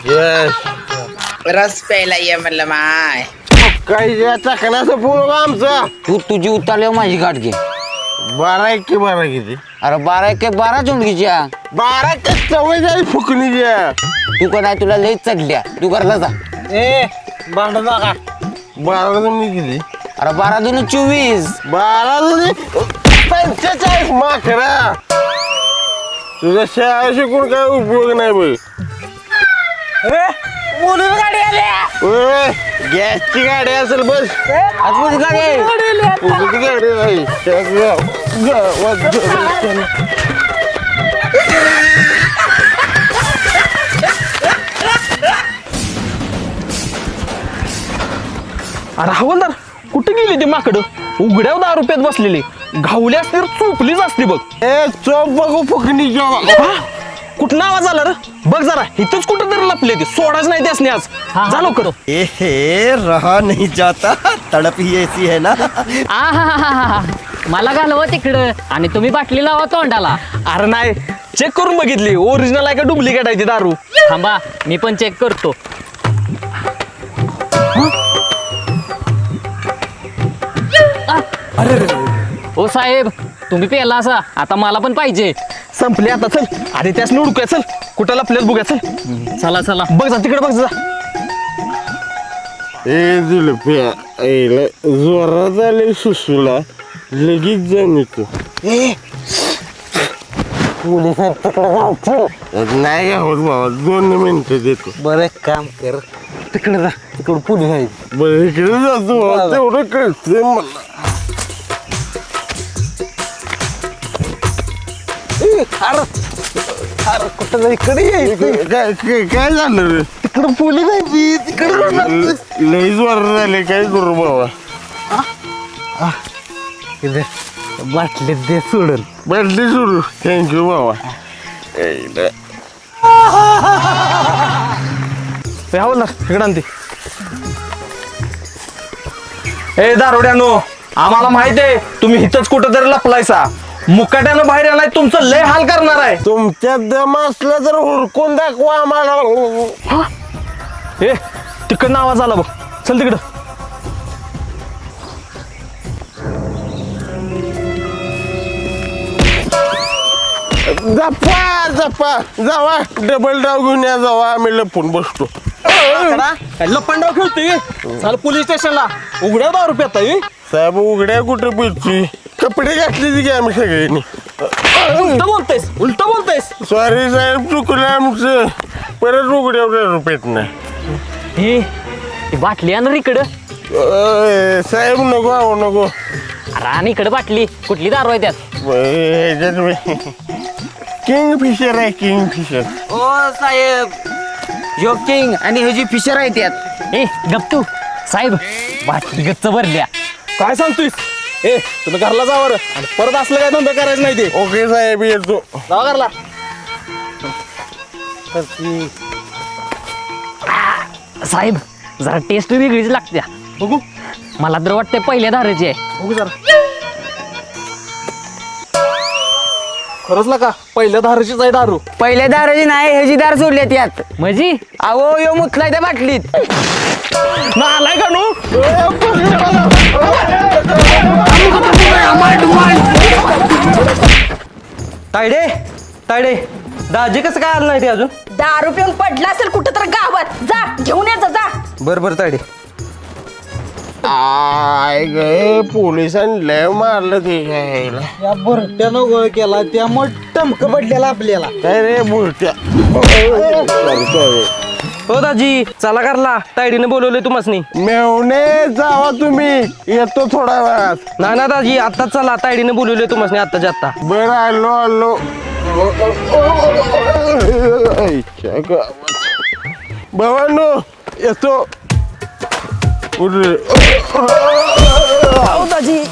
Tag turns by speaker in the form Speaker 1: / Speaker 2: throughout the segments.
Speaker 1: रस प्यायला ये म्हणलं माय.
Speaker 2: काही चाकण्याचं पूल आमचं.
Speaker 3: तू तुझी उतारल्यावर माझी गाठ घे.
Speaker 2: 12 किती?
Speaker 3: अरे 12 चुंडकीच्या
Speaker 2: 12 सवय जाईल फुकणीच्या.
Speaker 3: तू का नाही तुला लई चढल्या. तू घरला जा.
Speaker 2: ए भांड नका. 12 किती?
Speaker 3: अरे 12 दून 24.
Speaker 2: 12 45 माखरा. तुझ्या शाळा शिकून काय उपयोग नाही बघ.
Speaker 1: बोलून गाडी आल्या.
Speaker 2: गॅसची गाडी असेल बस.
Speaker 3: आतमध्ये गाडी.
Speaker 2: गाडी नाही.
Speaker 4: अरे हवलदार कुठे गेली ती माकडं? उघड्यावर 10 रुपयात बसलेली. घावली असती तर चोपलीच असती बघ.
Speaker 2: ए चोप बघू फुकणी
Speaker 4: कुठं आवाज आला रे? बघ जरा इथंच कुठं तरी लपले ते. सोडाच नाही त्यासने आज. जा लवकर.
Speaker 5: ए रहा नहीं जाता, तड़प ही ऐसी है ना.
Speaker 6: आहा मला घालवं तिकडं आणि तुम्ही बाटली लावा तोंडाला.
Speaker 4: अरे नाही चेक करून बघितली ओरिजिनल आहे का डुप्लिकेट आहे ती दारू.
Speaker 6: थांबा मी पण चेक करतो. ओ साहेब तुम्ही पेला असा आता मला पण पाहिजे.
Speaker 4: संपले आता चल. अरे त्यास उडकूया चल. कुठं लपल्यात बघूया चल.
Speaker 6: चला चला
Speaker 4: बघ जा तिकडे बघ जा.
Speaker 2: ए जुलप्या जोरात आले सुसूला लगेच जाऊन येतो. नाही होत बाबा 2 मिनिटं देतो.
Speaker 3: बरं काम कर. तिकडे जा. तिकडे पोलीस आहे.
Speaker 2: बरं इकडे जातो बाबा. तेवढं कळतंय मला.
Speaker 3: अरे कुठं इकडे यायचं.
Speaker 2: काय झालं रे?
Speaker 3: तिकडे पोलीस आहे. तिकडे
Speaker 2: लई जोरात झाले काय करू बाबा.
Speaker 3: बाटलीत दे सोडून.
Speaker 2: बदली सुरू. थँक्यू बाबा.
Speaker 4: हवलदार इकडे आणते. ए दारोड्यानो आम्हाला माहित आहे तुम्ही इथंच कुठं तरी लपलायसा. मुकाट्यानं बाहेर आलाय तुमचं लय हाल करणार आहे.
Speaker 2: तुमच्यात दम असलं तर हुडकून दाखवा आम्हाला.
Speaker 4: ए तिकडनं आवाज आला बघ. चल तिकडं.
Speaker 2: जपा जपा जावा. डबल डाव घेऊन या जावा. आम्ही लपून बसतो.
Speaker 4: लपंडाव खेळतोय. चाल पोलीस स्टेशनला. उघड्या 10 रुपयात आहे.
Speaker 2: साहेब उघड्या कुठे पिरची कपडे घातले की आम्ही सगळ्यांनी.
Speaker 4: उलट बोलतेस.
Speaker 2: सॉरी साहेब चुकलं आमचं. परत उघड्या रुपयात नाही.
Speaker 6: हे ती बाटली आण इकडं.
Speaker 2: साहेब नको आहो नको.
Speaker 6: अरे आणि इकडं बाटली कुठली दारू आहे त्यात?
Speaker 2: किंग फिशर आहे किंग फिशर.
Speaker 3: ओ साहेब यो किंग आणि ह्याची फिशर आहे त्यात.
Speaker 6: ए गप्तू साहेब बाटली गच्च भरल्या.
Speaker 4: काय सांगतोयस? ए तुम्ही घरला जावर आणि परत असलं काय धंदा करायचं नाही ते.
Speaker 2: ओके साहेब येतो.
Speaker 4: जावा घरला.
Speaker 6: साहेब जरा टेस्ट वेगळीच लागत्या.
Speaker 4: बघू
Speaker 6: मला तर वाटतंय पहिल्या धाराची आहे.
Speaker 4: बघू जरा. खरंच ना का पहिल्या धाराचीच आहे दारू.
Speaker 3: पहिल्या दाराची नाही ह्याची दार सोडल्या त्यात.
Speaker 6: म्हणजे
Speaker 3: अहो यो मुतलाय त्या बाटलीत.
Speaker 4: आलाय का नू? तायडे तायडे दाजी कसं काय आलं नाही ते अजून?
Speaker 7: दारू पिऊन पडला असेल कुठं तर गावात. जा घेऊन ये जा.
Speaker 4: बरं तायडे.
Speaker 2: आय गे पोलिसांनी लय मारलं ते घ्यायला.
Speaker 3: या बुरट्यानं गोळ केला त्यामुळे टमक पडलेला आपल्याला.
Speaker 2: काय रे बुरट्या.
Speaker 4: हो दाजी चला करला. तायडीने बोलवले तुम्हाला.
Speaker 2: मेवणे जावा तुम्ही. येतो थोडा वेळात.
Speaker 4: ना ना दाजी आत्ताच चला. तायडीने बोलवले तुम्हाला आत्ताच्या आत्ता.
Speaker 2: बरं आलो आलो. भावांनो येतो.
Speaker 3: दाजी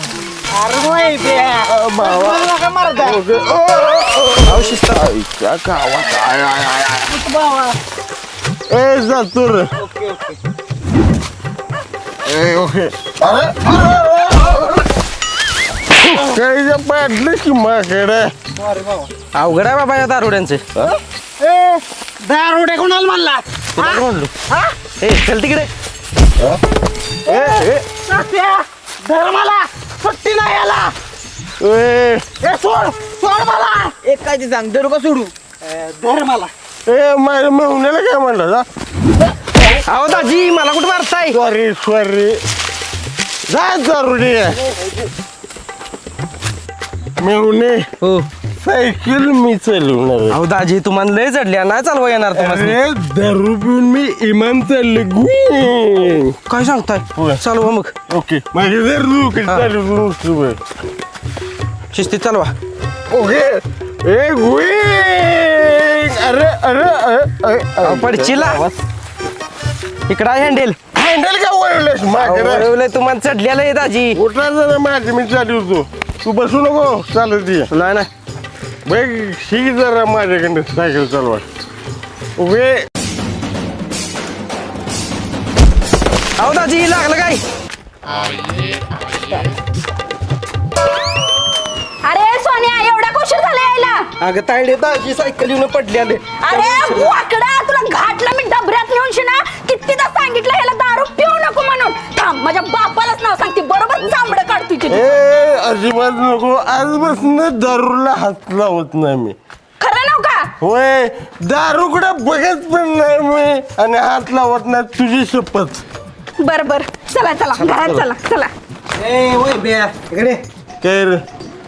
Speaker 2: ए जातो रे. ओके. काही पाडलं की माकडे.
Speaker 4: अवघड आहे बाबा या दारुड्यांचे.
Speaker 3: दारोडे कोणाला म्हणला?
Speaker 2: तुला काय म्हणलो
Speaker 4: ए चल तिकडे
Speaker 5: धर मला सुट्टी नाही याला
Speaker 2: ए
Speaker 5: सोड सोड मला एक काय ते सांग धरू का सोडू धर मला
Speaker 2: ए माझ्या मेहुण्याला काय म्हणलं जा
Speaker 4: अहो दाजी मला कुठे मारताय
Speaker 2: सॉरी जा जरुरी मेहुणे
Speaker 4: हो
Speaker 2: सायकल मी चालवणार
Speaker 4: अहो दाजी तुम्हाला लय चढल्या नाही चालवा येणार तुम्हाला
Speaker 2: अरे दारू पिऊन मी इमान चालले गुई
Speaker 4: काय सांगताय चालवा मग
Speaker 2: ओके माझे जर लोक चालू
Speaker 4: शिस्तीत चालवा
Speaker 2: ओके ए गुई अरे अरे अरे
Speaker 4: पडचिला इकडा हँडेल
Speaker 2: हँडल का वळवलंस माझ्या
Speaker 4: तुम्हाला चढलेलं आहे दाजी
Speaker 2: उठला जरा माझी मी चालू होतो तू बसू नको चालत ये
Speaker 4: नाही नाही
Speaker 2: बघ शिक जरा माझ्याकडे सायकल चालवा उभे
Speaker 4: अहो दाजी लागलं काय
Speaker 7: अरे सोन्या एवढा कुशीर झाला यायला
Speaker 5: अगं तायडे दाजी सायकल येऊन पडली आले
Speaker 7: अरे वाकडा तुला घाटला मी डबऱ्यात नेऊन शिना कितीदा सांगितलं ह्याला दारू पिऊ नको म्हणून थांब माझ्या बापालाच नाव सांगते बरोबर चांबडं काढ तुझी
Speaker 2: ए अजिबात नको आजपासून दारूला हात लावत नाही मी
Speaker 7: खरं नाव का
Speaker 2: होय दारूकडे बघत पण नाही मी आणि हात लावत नाही तुझी शपथ
Speaker 7: बर बर चला चला घरात चला चला
Speaker 5: ए ओय बे इकडे
Speaker 2: काय रे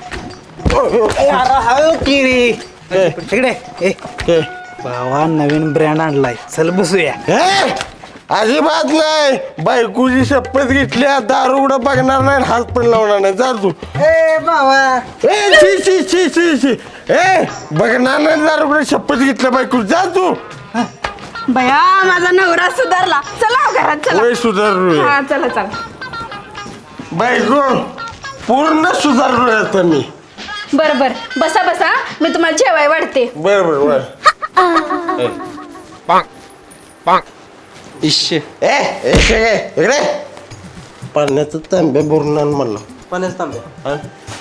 Speaker 5: इकडे ए
Speaker 2: काय
Speaker 5: भावा नवीन ब्रँड आणलाय चल बसूया
Speaker 2: ए, अजिबात नाही बायकोची शपथ घेतली दारूकडे बघणार नाही हात पण लावणार नाही जा तू
Speaker 5: ए बाबा
Speaker 2: ए शी शी शी शी शी ए बघणार नाही दारूकडे शपथ घेतल्या बायको जा तू
Speaker 7: बया माझा नवरा सुधारला चला घरात चला
Speaker 2: वय सुधारू
Speaker 7: हा चला चला
Speaker 2: बायको पूर्ण सुधारलोय आता मी
Speaker 7: बर बर बसा बसा मी तुम्हाला जेवाय वाढते
Speaker 2: बर बर बर
Speaker 4: इश्य
Speaker 2: ए इकडे पाण्याचं तांब्या भरून आण मला
Speaker 5: पाण्याच तांबे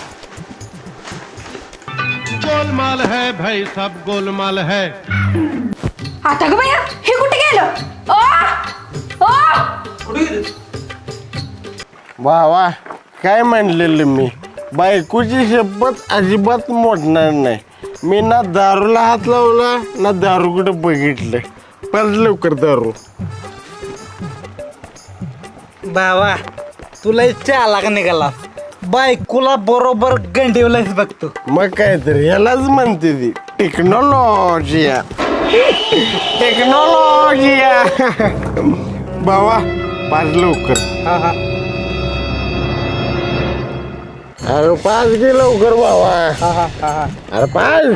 Speaker 8: गोलमाल है भाई सब गोलमाल है
Speaker 7: आता ग बया हे कुठे गेलं ओ
Speaker 2: वा वा काय म्हणलेलं मी बायकोची शपथ अजिबात मोडणार नाही मी ना दारूला हात लावला ना दारूकडे बघितलं पण लवकर दारू
Speaker 5: बाबा तुला चाला का निघाला बायकोला बरोबर गंडीवलाच बघतो
Speaker 2: मग काय तर यालाच म्हणते ती टेक्नॉलॉजिया टेक्नॉलॉजिया बाबा पाच लवकर
Speaker 5: हा हा
Speaker 2: अरे पाच गे लवकर बाबा
Speaker 5: हा हा हा हा
Speaker 2: अरे पाच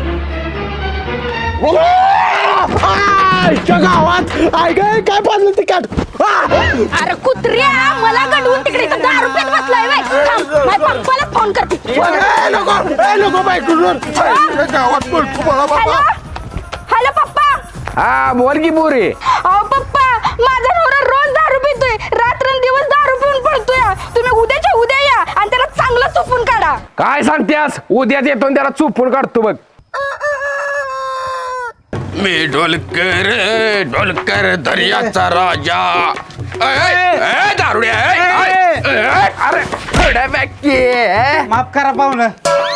Speaker 2: गावात ऐक काय पाजलं ते काढ
Speaker 7: अरे कुत्र्या मला गडवून तिकडे इथं दारू पीत बसलाय बाई थांब, माझ्या पप्पाला फोन करते
Speaker 2: नको बायको गावात बोलतो मला
Speaker 7: हॅलो
Speaker 2: बाबा
Speaker 7: हॅलो पप्पा
Speaker 4: हा बोल की बोरे
Speaker 7: अहो पप्पा माझा नवरा रोज दारू पितोय रात्रंदिवस दारू पिऊन पडतोय तुम्ही उद्याच्या उद्या या आणि त्याला चांगलं चुपून काढा
Speaker 4: काय सांगतेस उद्याच येतो आणि त्याला चुपून काढतो बघ
Speaker 2: मी ढोलकर दर्याचा राजा दारुड्या
Speaker 4: अरे
Speaker 5: माफ करा पाहुणं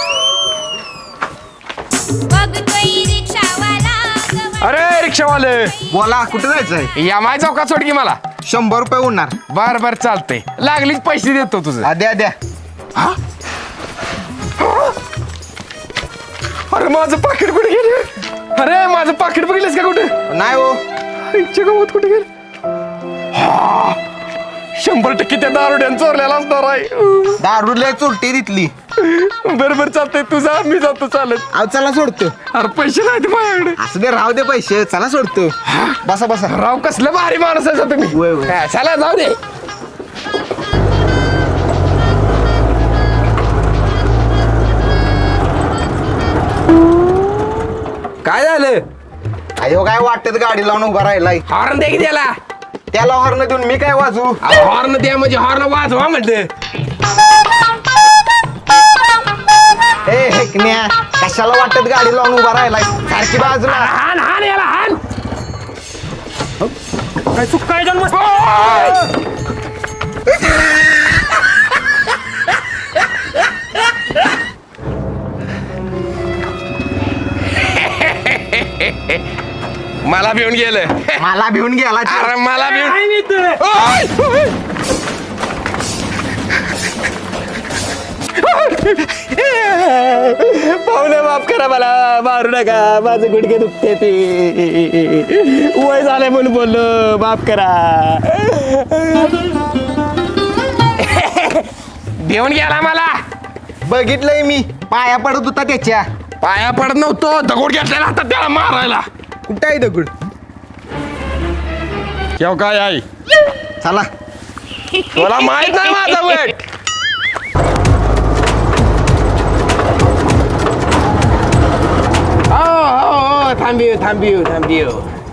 Speaker 4: अरे रिक्षावाले
Speaker 5: बोला कुठे जायचंय
Speaker 4: या माय चौकात सोड की मला
Speaker 5: 100 रुपये उडणार
Speaker 4: बर बर चालतंय लागलीच पैसे देतो तुझं
Speaker 5: द्या द्या
Speaker 4: अरे माझं पाकिट कुठे गेलं अरे माझं पाकिट बघितलंस का कुठे
Speaker 5: नाही हो
Speaker 4: इच्छा गावात कुठे गेलं 100% त्या दारुड्यानं चोरलेला असणार आहे
Speaker 5: दारू लय चोरटी तिथली
Speaker 4: बरोबर चालतंय तुझा मी जातो चालत
Speaker 5: अहो चला सोडतो
Speaker 4: अरे पैसे नाहीत माझ्याकडे
Speaker 5: असं दे राहू दे पैसे चला सोडतो बसा बसा
Speaker 4: राव कसलं भारी माणूस आहे तुम्ही
Speaker 5: वय, वय.
Speaker 4: हा, चला जाऊ दे काय झालं
Speaker 5: अयो काय वाटत गाडी लावून उभा राहिलाय
Speaker 4: हॉर्न दे की त्याला
Speaker 5: त्याला हॉर्न देऊन मी काय वाजू
Speaker 4: हॉर्न द्या म्हणजे हॉर्न वाजवा म्हटलं
Speaker 5: ए हेकण्या कशाला वाटत गाडी लावून उभा राहिलाय सारखी बाजूला
Speaker 4: हान हान याला हान
Speaker 5: काय सुक्का आहे जन्म
Speaker 9: मला भिवून गेलं.
Speaker 5: मला भिवून गेला
Speaker 9: अरे मला भिवून
Speaker 5: पाहुणे माफ करा मला मारू नका माझं गुडघे दुखते ते वय झालंय म्हणून बोललो माफ करा
Speaker 9: भिवून गेला मला.
Speaker 5: बघितलंय मी पाया पडत होता त्याच्या
Speaker 9: पाया पडत नव्हतो, दगड घेतलेला हातात त्याला मारायला.
Speaker 5: कुठं आहे दगड
Speaker 9: केव काय आई
Speaker 5: चला
Speaker 9: तुला माहित नाही माझा वेट. थांबियो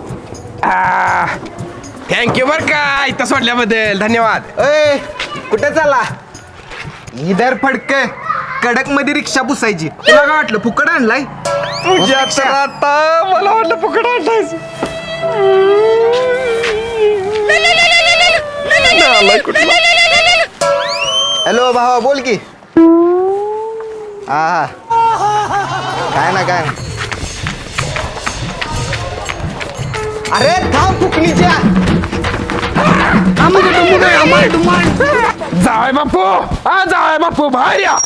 Speaker 9: थँक्यू बर का इथं सोडल्याबद्दल धन्यवाद.
Speaker 5: ए कुठे चाला इधर फडक कडक मध्ये रिक्षा पुसायची तुला काय वाटलं फुकट आणलाय
Speaker 9: तुझ्या तर आता मला वाटलं फुकट आणलायस.
Speaker 5: हॅलो भावा बोल की हा काय ना काय अरे थांब फुकणीच्या
Speaker 9: जाय बापू हा जाय बापू बाहेर या.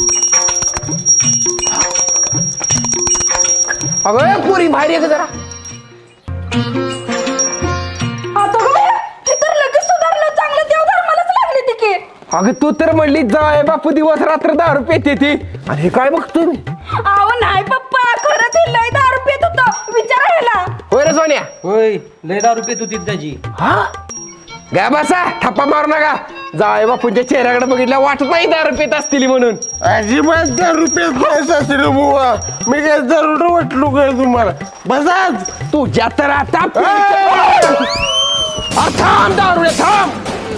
Speaker 9: अगं पुरी बाहेर ये जरा.
Speaker 7: आता काय हे तर लगेच सुधारलं चांगलं देव धर्मालाच लागली ती की
Speaker 9: अगं तू तर म्हणली जाय बापू दिवस रात्र दारू पेते ती आणि हे काय बघतोय मी.
Speaker 7: अहो नाही पप्पा खरंच हे लय दारू पित होतं विचारा ह्याला
Speaker 9: होय रे सोन्या.
Speaker 5: होय लय दारू पित होती त्याची
Speaker 9: हा गा बसा ठप्पा मारू नका. जाय बापूंच्या चेहऱ्याकडे बघितल्या वाटत नाही दारू पेत असतील म्हणून.
Speaker 2: अजिबात 10 रुपये नाही सासरे बुवा. मी काय दरोड वाटलो काय तुम्हाला बसाच.
Speaker 9: तुझ्या तर आता थांब दारू थांब.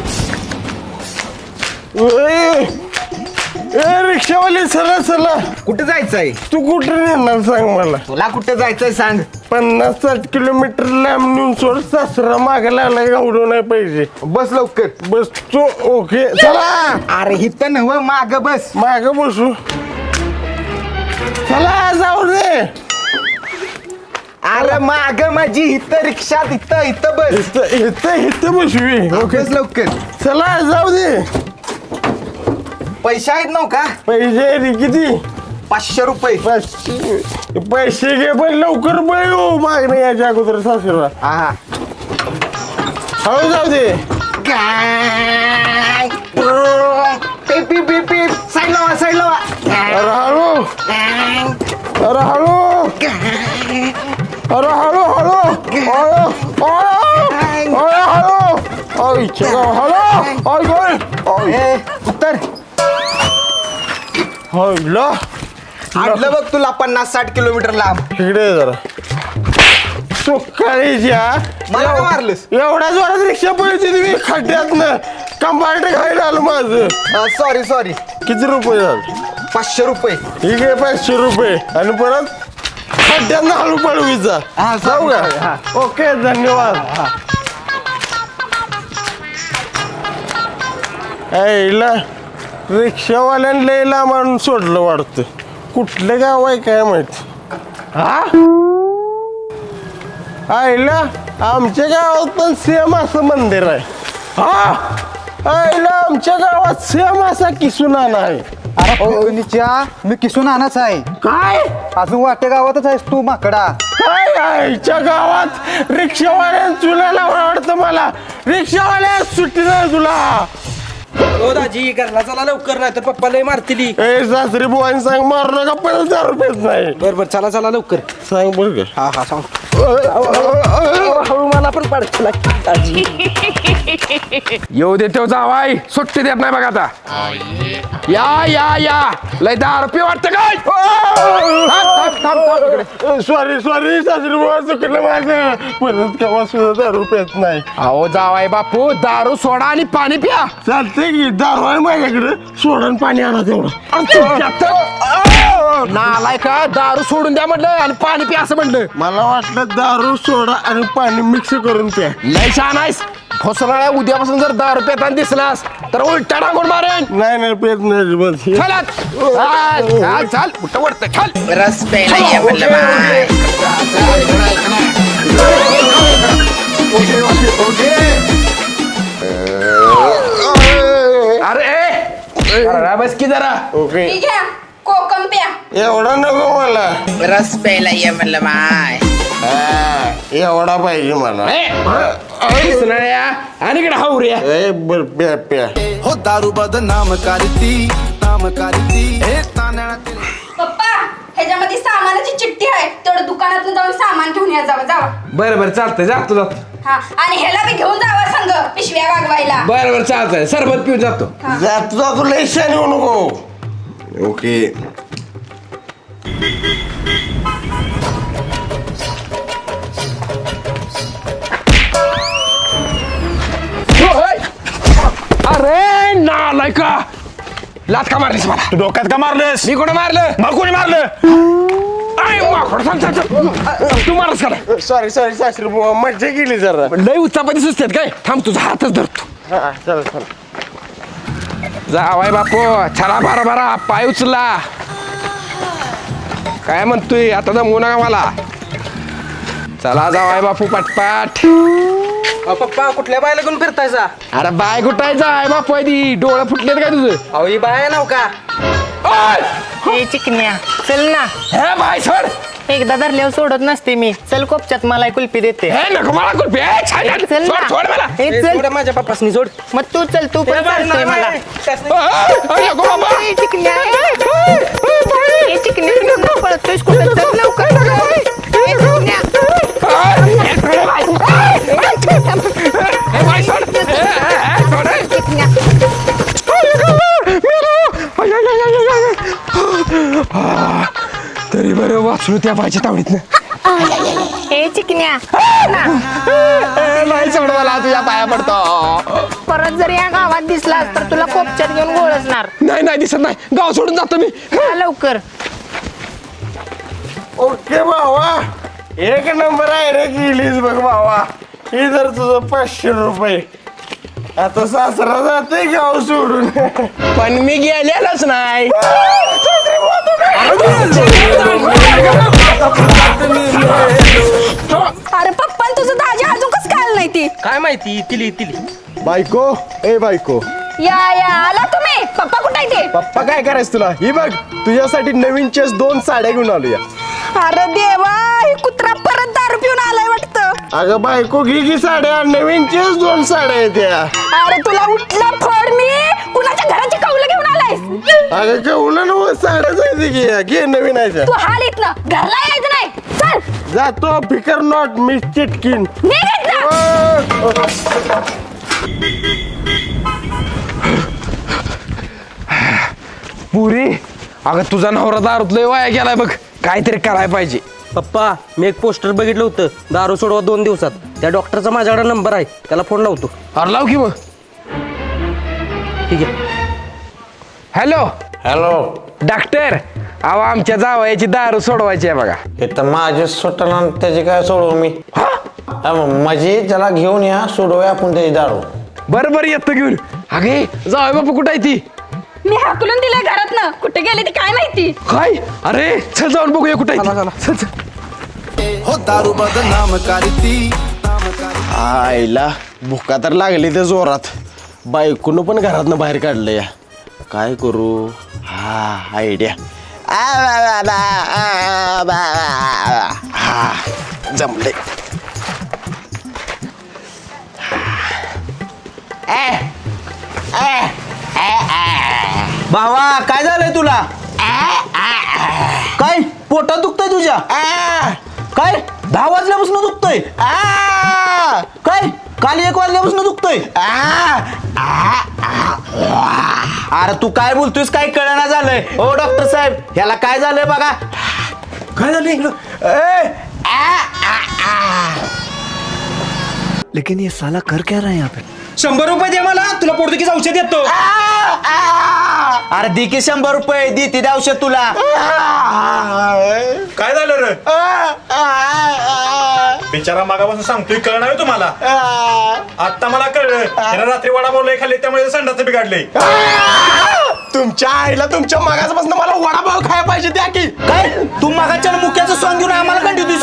Speaker 2: रिक्षावाले चला चला.
Speaker 5: कुठे जायचंय
Speaker 2: तू कुठे नेणार सांग मला.
Speaker 5: तुला कुठे जायचंय सांग
Speaker 2: 50-60 किलोमीटर लांब नेऊन सोड. सासरा मागायला आलाय गावडो नाही पाहिजे.
Speaker 5: बस लवकर
Speaker 2: बस तू ओके चला.
Speaker 5: अरे हिथं नव माग बस
Speaker 2: माग बसू. चला जाऊ दे.
Speaker 5: अरे माग माझी हिथं रिक्षा इथं इथं बस
Speaker 2: इथं इथं इथं बसवी. ओके
Speaker 5: बस लवकर
Speaker 2: चला जाऊ दे.
Speaker 5: पैसे आहेत नव का
Speaker 2: पैसे रे किती
Speaker 5: 500 रुपये
Speaker 2: पैसे घे पण लवकर बळ हो मागणे याच्या अगोदर सासरा.
Speaker 5: हा
Speaker 2: हो जाऊ दे.
Speaker 5: काय पीप पीप पीप पीप साईड लावा साईड लावा
Speaker 2: अरे हळू अरे हळू अरे हळू हळू हळू
Speaker 5: ए, उत्तर आणलं बघ तुला 50-60 किलोमीटर लांब
Speaker 2: इकडे जरा सुकाळीच्या
Speaker 5: मला का मारलंस
Speaker 2: एवढ्या जोरात रिक्षा पळती तुम्ही खड्ड्यातनं कंपार्ट खायला आलं माझं.
Speaker 5: सॉरी सॉरी
Speaker 2: किती रुपये झाले
Speaker 5: 500 रुपये
Speaker 2: ठीक आहे 500 रुपये आणि परत खड्ड्यांना हळू पळवीचा.
Speaker 5: हा,
Speaker 2: जाऊ
Speaker 5: चालेल.
Speaker 2: का ओके धन्यवाद. ऐला रिक्षावाल्यानं लयला मारून सोडलं वाटतं. कुठलं गाव आहे काय माहिती. हा आईला आमच्या गावात पण सेम असं मंदिर आहे. हा आईला आमच्या गावात सेम असा किसुनाना आहे.
Speaker 5: मी किसून आणाच आहे
Speaker 2: काय
Speaker 5: अजून वाटे गावातच आहेस तू माकडा
Speaker 2: काय आईच्या गावात रिक्षावाल्या चुलाला आवडतं मला. रिक्षावाल्या सुट्टी नाही तुला.
Speaker 5: हो दाजी घरला चला लवकर नाही तर पप्पा लय मारतील
Speaker 2: ए सासरी बुवानी सांग मारू नका 50,000 रुपयेच नाही.
Speaker 5: बरोबर चला चला लवकर
Speaker 2: सांग बघ.
Speaker 5: हा हा सांग हळू मला पण पाडतो
Speaker 9: येऊ दे तेव जावाय सुट्टी देत नाही बघा आता. या या या लय दारू पी वाटतं काय.
Speaker 2: सॉरी सॉरी सासरी बुवा चुकलं माझं. परत केव्हा सुद्धा 10 रुपयेच नाही.
Speaker 9: अहो जावाय बापू दारू सोडा आणि पाणी प्या.
Speaker 2: चालतंय की दारू आहे माझ्याकडे. सोडून पाणी आणा तेवढं.
Speaker 9: नालाय का दारू सोडून द्या म्हटलं आणि पाणी प्या असं म्हटलं.
Speaker 2: मला वाटलं दारू सोडा आणि पाणी मिक्स करून प्या.
Speaker 9: लय छान आहेस. फसणाऱ्या उद्यापासून जर दारू पेताना दिसलास तर उलटा टाकून मारेन.
Speaker 2: नाही पेत नाही.
Speaker 9: चल चल कुठं वाटतं चल.
Speaker 1: रस प्यायला ये म्हणलं माय.
Speaker 9: अरे बस की जरा.
Speaker 2: ओके
Speaker 7: घ्या कोकम प्या.
Speaker 2: एवढा नको मला.
Speaker 1: रस प्यायला ये म्हणलं माय.
Speaker 2: एवढा पाहिजे मला.
Speaker 9: दिसणाऱ्या आणि इकडे हावऱ्या.
Speaker 2: बर प्या प्या.
Speaker 10: हो दारू बदनाम करती नाम करती हे तांदळातील.
Speaker 7: पप्पा ह्याच्यामध्ये सामानाची चिठ्ठी आहे, तेवढं दुकानात जाऊन सामान घेऊन या. जावा.
Speaker 9: बरं चालतंय जातो.
Speaker 7: हा आणि ह्याला बी घेऊन जावा संग पिशव्या वागवायला.
Speaker 9: बरं चालतंय. सरबत पिऊन जातो.
Speaker 2: जातो लय शान येऊ नको. ओके
Speaker 9: अरे नालाय का लात का मारलीस मला.
Speaker 4: तू डोक्यात का मारलंस?
Speaker 9: मी कोणी मारलं?
Speaker 4: मग कोणी मारलं?
Speaker 9: तू मारस का नाही?
Speaker 2: सॉरी सासरी बुवा मज्जा केली जरा.
Speaker 9: लय उत्सापाती सुचतात काय. थांब तुझा हातच धरतो.
Speaker 2: हा चल
Speaker 9: जावाय बापू चला बारा पाय उचला. काय म्हणतोय आता दमवू नका मला. चला जावाय बापू पटपाट.
Speaker 3: पप्पा कुठल्या बायला घेऊन फिरतायचा?
Speaker 9: अरे बाय कुठायचा आहे बापू ती डोळं फुटलेत काय तुझं?
Speaker 3: अहो ही बाय नाव का?
Speaker 6: हे चिकन्या चल ना.
Speaker 9: हे बाय सोड.
Speaker 6: एकदा धरल्यावर सोडत नसते मी. चल कोपच्यात मला कुल्फी देते.
Speaker 9: हे नको मला कुल्फी.
Speaker 6: चल ना.
Speaker 9: सोड मला.
Speaker 6: हे चल
Speaker 3: माझ्या पप्पासनी सोड.
Speaker 6: मग तू चल, तू पण चालतोय मला.
Speaker 9: नको बाबा.
Speaker 6: हे चिकन्या हे चिकन्या नको पळतोयस कुठं. चल लवकर. हे चिकन्या.
Speaker 9: तरी बरं वाचलो त्या बायच्या तावडीतनं.
Speaker 6: हे चिकन्या
Speaker 9: नाही सोड मला तुझ्या पाया पडतो.
Speaker 6: परत जर या गावात दिसलास तर तुला कोपच्यात घेऊन गोळसणार.
Speaker 9: नाही दिसत नाही. गाव सोडून जातो मी.
Speaker 6: लवकर.
Speaker 2: ओके भावा एक नंबर आहे रे गेलीस बघ भावा. हे जर तुझं 500 रुपये. आता सासरा जाते गाव सोडून.
Speaker 9: पण मी गेलेलोच नाही.
Speaker 7: अरे पप्पा तुझं दाजी अजून कसं काय नाही ती.
Speaker 3: काय माहिती तिली.
Speaker 2: बायको ए बायको.
Speaker 7: या आला तुम्ही. पप्पा कुठे आहे ते?
Speaker 2: पप्पा काय करायचं तुला. ही बघ तुझ्यासाठी नवीन चेस 2 साड्या घेऊन आलो या.
Speaker 7: अरे देवा ही कुत्रा परत दारू पिऊन आलाय वाटतं.
Speaker 2: अगं बायको घे साड्या. नवीन चेस 2 साड्या आहेत या.
Speaker 7: अरे तुला उठला फड मी. कुणाच्या घराची कौलं घेऊन आलायस?
Speaker 2: अगं केवढं ना साड्या जायचं घे नवीन आहे.
Speaker 7: तू हाल इथनं घरला यायचं नाही. चल
Speaker 2: जातो फिकर नॉट मी चिटकीन.
Speaker 7: निघ इथनं.
Speaker 9: पुरी अगं तुझा नवरा दारूत लय वाया गेलाय बघ. काहीतरी करायला पाहिजे.
Speaker 3: पप्पा मी एक पोस्टर बघितलं होतं दारू सोडवा 2 दिवसात. त्या डॉक्टरचा माझ्याकडे नंबर आहे, त्याला फोन लावतो.
Speaker 9: अरे लाव की मग.
Speaker 3: ठीक आहे.
Speaker 9: Hello
Speaker 2: hello
Speaker 9: doctor. अहो आमच्या जावयाची दारू सोडवायची आहे बघा.
Speaker 11: हे तर माझे सुटना त्याची काय सोडवू मी. माझी त्याला घेऊन या सोडवूया आपण त्याची दारू.
Speaker 9: बरं येतो घेऊन. अगे जावय बापू कुठं आहे ती?
Speaker 7: मी हाकलून दिलंय घरातनं. कुठे गेले ती काय माहिती.
Speaker 9: काय अरे चल जाऊन बघूया कुठे चल.
Speaker 10: हो दारू बदनाम करती.
Speaker 2: आईला भुका तर लागली ते जोरात. बायकोनं पण घरातनं बाहेर काढलं या. काय करू. हा आयडिया. हा जमले.
Speaker 3: भावा काय झालंय तुला? काय पोटात दुखतंय तुझ्या? काय 10 वाजल्यापासून दुखतोय? काय काल 1 वाजल्यापासून दुखतोय? अरे तू काय बोलतोयस काय कळना झालंय. ओ डॉक्टर साहेब ह्याला काय झालंय बघा. काय झालं इकडं? लेकिन ये साला कर क्या रहा है यहाँ पे?
Speaker 5: 100 रुपये दे मला, तुला पोर्तुगीज औषध देतो.
Speaker 3: अरे दी की 100 रुपये दी ती औषध तुला.
Speaker 4: काय झालं रे बिचारा मागापासून सांगतोय कळ नाही तुम्हाला. आता मला कळलं त्याला रात्री वडा बोलले खाल्ले त्यामुळे संडाचं बिघडले.
Speaker 2: तुमच्या आईला तुमच्या मागासपासून मला वडापाव खायला पाहिजे द्या की.
Speaker 3: काय तू मागाच्या मुक्याचं सॉंग घेऊन आम्हाला कंटिन्यू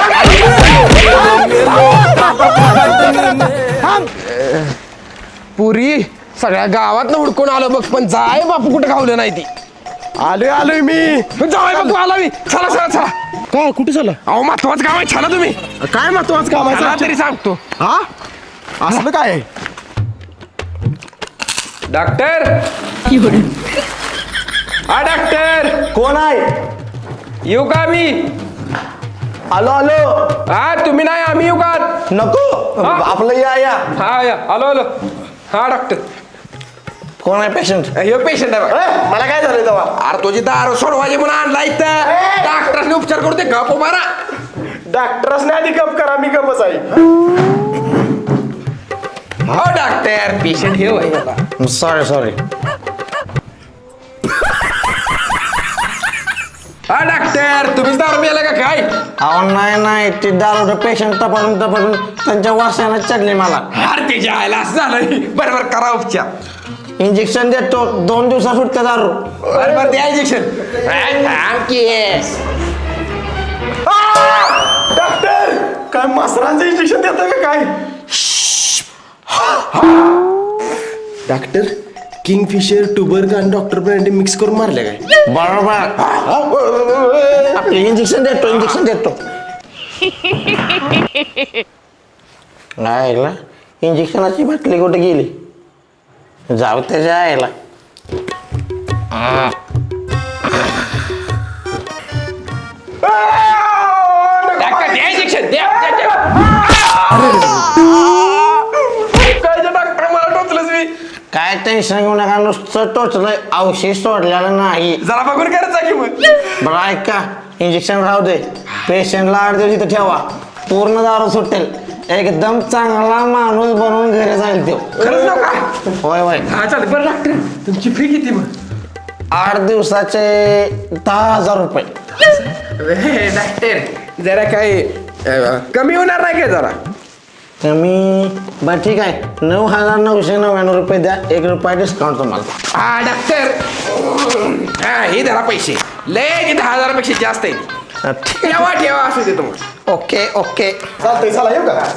Speaker 9: पुरी सगळ्या गावात हुडकून आलो बघ, पण जाय बापू कुठे खावलं नाही ती.
Speaker 2: आलोय मी.
Speaker 9: जाय बापू आला मी. चला चला चला.
Speaker 2: काय कुठे झालं?
Speaker 9: अहो महत्वाचं काम आहे, चला तुम्ही.
Speaker 2: काय महत्वाचं काम
Speaker 9: चला
Speaker 2: आहे
Speaker 9: तरी सांगतो.
Speaker 2: हा असलं काय आहे?
Speaker 9: डॉक्टर हा डॉक्टर
Speaker 3: कोण आहे?
Speaker 9: येऊ का मी?
Speaker 3: आलो आलो.
Speaker 9: हा तुम्ही नाही आम्ही येऊ का?
Speaker 3: नको आपलं या
Speaker 9: हा या आलो आलो. हा डॉक्टर
Speaker 3: कोण आहे पेशंट?
Speaker 9: हे पेशंट आहे बघा.
Speaker 2: मला काय झालं तेव्हा?
Speaker 9: अरे तुझी दारू सोडवायची म्हणून आणला इथं. डॉक्टरने उपचार करू दे गप मारा.
Speaker 2: डॉक्टरच आधी गप करा, मी गपच आहे.
Speaker 9: हो डॉक्टर पेशंट हे होय.
Speaker 3: सॉरी
Speaker 9: हा डॉक्टर तुम्हीच दारू प्यायला का काय?
Speaker 3: अहो नाही ते दारू पेशंट तपासून त्यांच्या वासाने चढले मला.
Speaker 9: अरे ते जायला असं झालं. बरोबर करा उपचार.
Speaker 3: इंजेक्शन देतो 2 दिवसात सुटते दारू.
Speaker 9: बरोबर द्या इंजेक्शन.
Speaker 2: डॉक्टर काय मसरांचं इंजेक्शन देतं का काय? डॉक्टर किंगफिशर टुबर्ग आणि डॉक्टर ब्रँडी मिक्स करून मारले काय?
Speaker 3: बरोबर. इंजेक्शन देतो. नाही ऐकलं इंजेक्शनाची बाटली कुठे गेली? जाऊ त्याच्या आईला.
Speaker 9: डॉक्टर द्या इंजेक्शन द्या. काय डॉक्टर मला टोचलंच मी.
Speaker 3: काय टेन्शन घेऊ नका, नुसतं टोचलंय, औषध सोडलेलं नाही.
Speaker 9: जरा बघून करायचा की मग.
Speaker 3: बरं ऐका इंजेक्शन राहू दे. पेशंटला 8 दिवस इथं ठेवा, पूर्ण दारू सुटेल. एकदम चांगला माणूस बनवून घरी जाईल तो.
Speaker 9: खरंच नाव काय?
Speaker 3: होय
Speaker 9: हा चालेल. बरं डॉक्टर तुमची फी किती मग?
Speaker 3: 8 दिवसाचे 10,000 रुपये.
Speaker 9: डॉक्टर जरा काही कमी होणार नाही काय जरा?
Speaker 3: कमी बरं ठीक आहे, 9,999 रुपये द्या. 1 रुपया डिस्काउंट तुम्हाला.
Speaker 9: हा डॉक्टर हा हे धरा पैसे. लय 10,000पेक्षा जास्त आहे. ठेवा असू दे तुम्हाला.
Speaker 3: ओके
Speaker 2: चालतंय, चला येऊ का?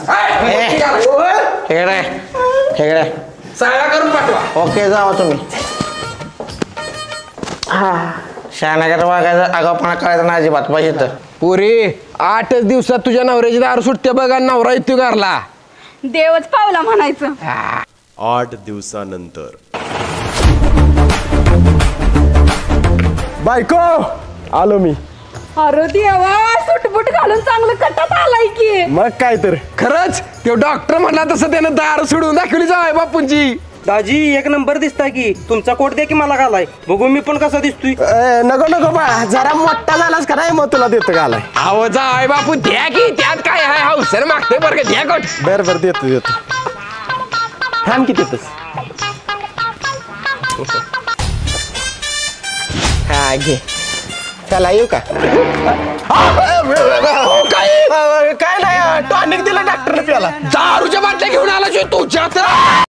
Speaker 3: हेकडे
Speaker 9: सगळा करून पाठवा.
Speaker 3: ओके जावा तुम्ही. शहानगर वागायचं आगाऊपणा करायचा नाही अजिबात पाहिजे तर.
Speaker 9: पुरी 8 दिवसात तुझ्या नवऱ्याची दारू सुटते बघा. नवरा येतो घरला.
Speaker 7: देवच पावला म्हणायचं.
Speaker 12: 8 दिवसानंतर.
Speaker 2: बायको आलो मी.
Speaker 7: अरे देवा सुटबुट घालून चांगलं कटात आलाय की.
Speaker 2: मग काय तर.
Speaker 9: खरंच तो डॉक्टर म्हणला तसं त्यानं दारू सोडून दाखवली जाय बापूंची.
Speaker 5: दाजी 1 नंबर दिसताय की. तुमचा कोट द्या की मला घालाय, बघू मी पण कसा दिसतोय.
Speaker 2: नको बा, जरा मोठा झालास का नाही, मग तुला देतो घालाय.
Speaker 9: अहो जाय बापू द्या की. त्यात काय आहे? हौसर मागते बरं का. द्या कोट.
Speaker 2: बरं देतो. थांब की तिथंच. हा घे. चला येऊ का? काय नाही, टॉनिक दिलं डॉक्टरने प्याला.
Speaker 9: दारूच्या बाटल्या घेऊन आला तुझ्या.